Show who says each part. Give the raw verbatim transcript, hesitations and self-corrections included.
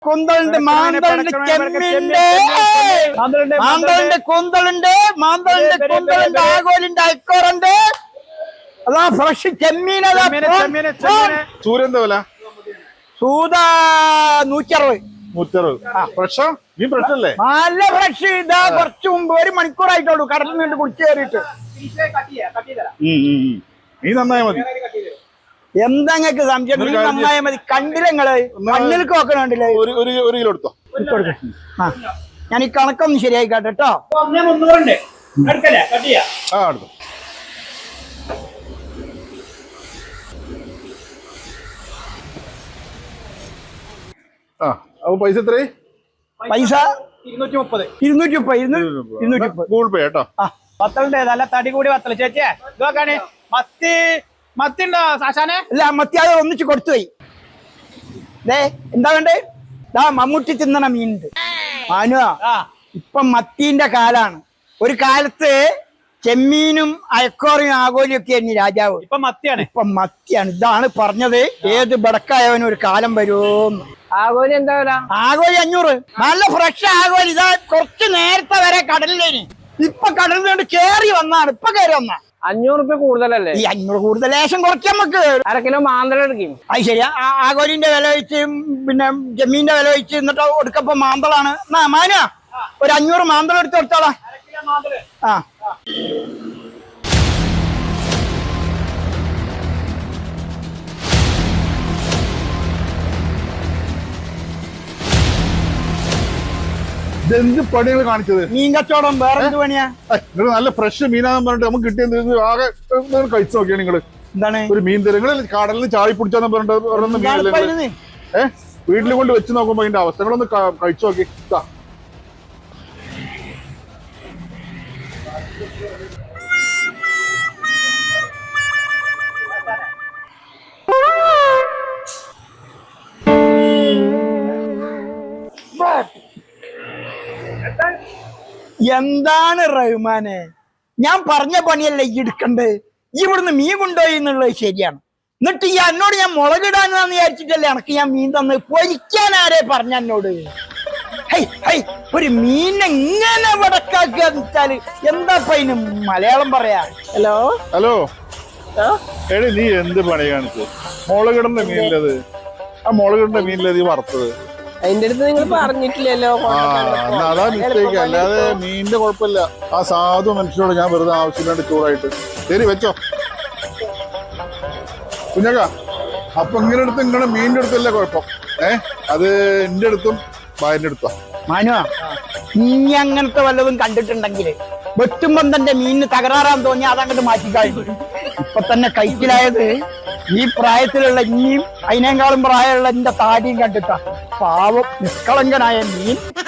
Speaker 1: കുന്തളുണ്ട്, മാന്തളുണ്ട്, ചെമ്മീനുണ്ട്, മാന്തളുണ്ട്, കുന്തളുണ്ട്, മാന്തളുണ്ട്, കുന്തളുണ്ട്, ആഗോലുണ്ട്, അയക്കോറുണ്ട്. അതാ ഫ്രഷ് ചെമ്മീൻ.
Speaker 2: സൂര്യന്റെ വില
Speaker 1: സൂത നൂറ്ററുപത്.
Speaker 2: നൂറ്ററുപത് ഫ്രഷോ? നീ ഫ്രഷല്ലേ?
Speaker 1: നല്ല ഫ്രഷ്. ഇതാ കുറച്ച് മുമ്പ് ഒരു മണിക്കൂറായിട്ടുള്ളൂ കടലിൽ നിന്ന് കുടിച്ചു കയറിയിട്ട്.
Speaker 2: നീ നന്നായ മതി.
Speaker 1: എന്താ നിങ്ങൾക്ക് സംശയം? നീ നന്നായ മതി. കണ്ടില്ല നിങ്ങള് കണ്ണിലേക്ക് നോക്കണുണ്ടല്ലേ?
Speaker 2: ഒരു കിലോ എടുത്തോ.
Speaker 1: ആ ഞാൻ ഈ കണക്കൊന്ന് ശരിയായിക്കോട്ടെ കേട്ടോ.
Speaker 2: ആ എടുത്തോ. ആ അപ്പൊ പൈസ എത്രയായി?
Speaker 1: പൈസ ഇരുന്നൂറ്റി മുപ്പത് ഇരുന്നൂറ്റി മുപ്പത് ഇരുന്നൂറ്റി മുപ്പത്
Speaker 2: ഗൂഗിൾ പേ കേട്ടോ.
Speaker 3: ആ വത്തലുണ്ട്, നല്ല തടി കൂടി വത്തല്. ചേച്ചിയെ ഇതൊക്കെയാണ് മത്തി. മത്തി ഉണ്ടോ സാശാനെ?
Speaker 1: അല്ല മത്തി അത് ഒന്നിച്ച് കൊടുത്തുപോയി. ദേ എന്താ വേണ്ടേ? ദാ മമ്മൂട്ടി തിന്നണ മീനുണ്ട്. മാനുവാ ഇപ്പൊ മത്തീന്റെ കാലാണ്. ഒരു കാലത്ത് ചെമ്മീനും അയക്കോറിയും ആഗോലിയും ഒക്കെ ആയിരുന്നു രാജാവ്.
Speaker 3: ഇപ്പൊ മത്തിയാണ്.
Speaker 1: ഇപ്പൊ മത്തിയാണ്. ഇതാണ് പറഞ്ഞത്, ഏത് ബടക്കായവനും ഒരു കാലം വരുമോന്ന്.
Speaker 3: ആഗോലി എന്താ വില?
Speaker 1: ആഗോലി അഞ്ഞൂറ്. നല്ല ഫ്രഷ് ആഗോലി. ഇതാ കുറച്ച് നേരത്തെ വരെ കടലിലേനി, ഇപ്പൊ കടലിൽ നിന്ന് കേറി വന്നാണ്. ഇപ്പൊ കയറി വന്നാ
Speaker 3: അഞ്ഞൂറ് റുപ്യ കൂടുതലല്ലേ?
Speaker 1: ഈ അഞ്ഞൂറ് കൂടുതൽ ലേശം കുറയ്ക്കാൻ നമുക്ക്.
Speaker 3: അര കിലോ മാന്തള എടുക്കും.
Speaker 1: അത് ശരിയാ. ആഗോലിന്റെ വില വെച്ച് പിന്നെ ജമീന്റെ വില വെച്ച് എന്നിട്ട് ഒടുക്കപ്പോ മാന്തളാണ്. എന്നാ മാന ഒരു അഞ്ഞൂറ് മാന്തളം എടുത്ത് കൊടുത്തോളാം. ആ
Speaker 2: ഇതെന്ത് പണികൾ കാണിച്ചത്?
Speaker 1: മീൻ കച്ചവടം വേറെ എന്ത് പണിയാ?
Speaker 2: നിങ്ങൾ നല്ല ഫ്രഷ് മീനാന്ന് പറഞ്ഞിട്ട് നമുക്ക് കിട്ടിയത് ആകെ കഴിച്ചു നോക്കിയാ നിങ്ങള്.
Speaker 1: എന്താണ്
Speaker 2: ഒരു മീൻ തരും? നിങ്ങൾ കടലിൽ ചാടി പിടിച്ചാന്ന് പറഞ്ഞിട്ട് ഏഹ് വീട്ടിൽ കൊണ്ട് വെച്ച് നോക്കുമ്പോ അതിന്റെ അവസ്ഥകളൊന്ന് കഴിച്ചു നോക്കി.
Speaker 1: എന്താണ് റഹ്മാനെ, ഞാൻ പറഞ്ഞ പണിയല്ലേ ഈ എടുക്കണ്ടേ? ഈ ഇവിടുന്ന് മീൻ കൊണ്ടുപോയി എന്നുള്ളത് ശരിയാണ്. എന്നിട്ട് ഈ എന്നോട് ഞാൻ മുളകിടാനാന്ന് വിചാരിച്ചിട്ടല്ലേ എനക്ക് ഞാൻ മീൻ തന്ന് പൊരിക്കാൻ ആരെ പറഞ്ഞ എന്നോട്? ഹൈ ഹൈ ഒരു മീനെ ഇങ്ങനെ വടക്കാക്കുക വെച്ചാല് എന്താ അതിന് മലയാളം പറയാ? ഹലോ
Speaker 2: ഹലോ എടി നീ എന്ത് പണി കാണിച്ചു? മുളകിടന്റെ മീനില്ലത്, ആ മുളകിടന്റെ മീനില്ലത് ഈ വറുത്തത്.
Speaker 3: അതിന്റെ അടുത്ത് നിങ്ങൾ പറഞ്ഞിട്ടില്ലല്ലോ.
Speaker 2: അതാ മിസ്റ്റേക്ക്, അല്ലാതെ മീനിന്റെ കുഴപ്പമില്ല. ആ സാധു മനുഷ്യനോട് ഞാൻ വെറുതെ ആവശ്യമില്ലാണ്ട് ചൂടായിട്ട്. ശരി വെച്ചോ കുഞ്ഞക്ക. അപ്പൊ ഇങ്ങനെ അടുത്ത് നിങ്ങളുടെ മീനിന്റെ അടുത്തല്ല കുഴപ്പം, ഏഹ് അത് എന്റെ അടുത്തും ഭാര്യന്റെ അടുത്താ.
Speaker 1: മാനുവാ നീ അങ്ങനത്തെ വല്ലതും കണ്ടിട്ടുണ്ടെങ്കില് വെട്ടുമ്പം തന്റെ മീനിന് തകരാറാന്ന് തോന്നി അതങ്ങോട്ട് മാറ്റിക്കാഴ്ച. ഇപ്പൊ തന്നെ കൈക്കിലായത് ഈ പ്രായത്തിലുള്ള ഇനിയും അതിനേക്കാളും പ്രായമുള്ള എന്റെ താടിയും കണ്ടിട്ടാ. പാവം നിഷ്കളങ്കനായ മീൻ.